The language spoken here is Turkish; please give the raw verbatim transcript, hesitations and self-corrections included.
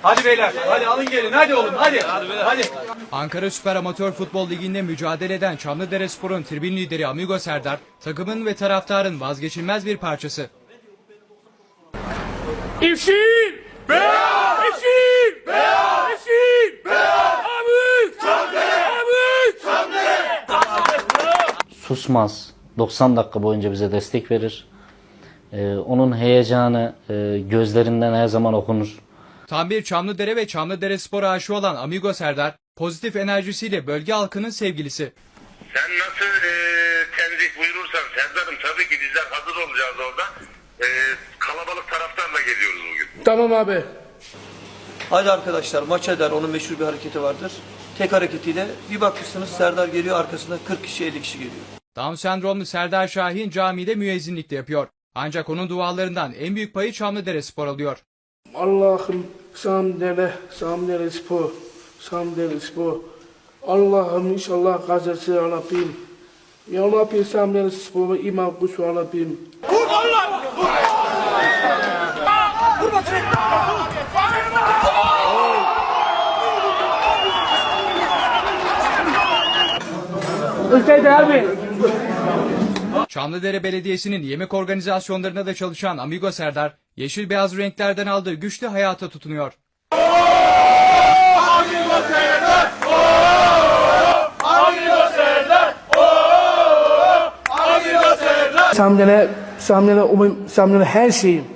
Hadi beyler, hadi alın gelin, hadi oğlum, hadi. Hadi. hadi. Ankara Süper Amatör Futbol Ligi'nde mücadele eden Çamlıderespor'un tribün lideri Amigo Serdar, takımın ve taraftarın vazgeçilmez bir parçası. İşin! Beyaz! İşin! Beyaz! İşin! Beyaz! Abi! Çamdere! Abi! Çamdere! Susmaz. doksan dakika boyunca bize destek verir. Ee, onun heyecanı e, gözlerinden her zaman okunur. Tam bir Çamlıdere ve Çamlıderespor aşığı olan Amigo Serdar, pozitif enerjisiyle bölge halkının sevgilisi. Sen nasıl e, tenzih buyurursan Serdar'ım, tabii ki bizler hazır olacağız orada. E, kalabalık taraftarla geliyoruz bugün. Tamam abi. Hadi arkadaşlar maç eder, onun meşhur bir hareketi vardır. Tek hareketiyle bir bakmışsınız Serdar geliyor, arkasında kırk kişi elli kişi geliyor. Down sendromlu Serdar Şahin camide müezzinlik de yapıyor. Ancak onun dualarından en büyük payı Çamlıderespor alıyor. Allah'ım Çamdere, Çamderespor, Çamderespor. Allah'ım inşallah gazası Rabbim. Ya Rabbi Çamderespor'a iman kuşu Rabbim. Vur Allah! Vur! Vur bakayım! Ülkeyde abi. Çamlıdere Belediyesi'nin yemek organizasyonlarında da çalışan Amigo Serdar, yeşil beyaz renklerden aldığı güçlü hayata tutunuyor. Amigo Serdar! Amigo Serdar! Amigo Serdar! Samdele, Samdele, Samdele her şeyim.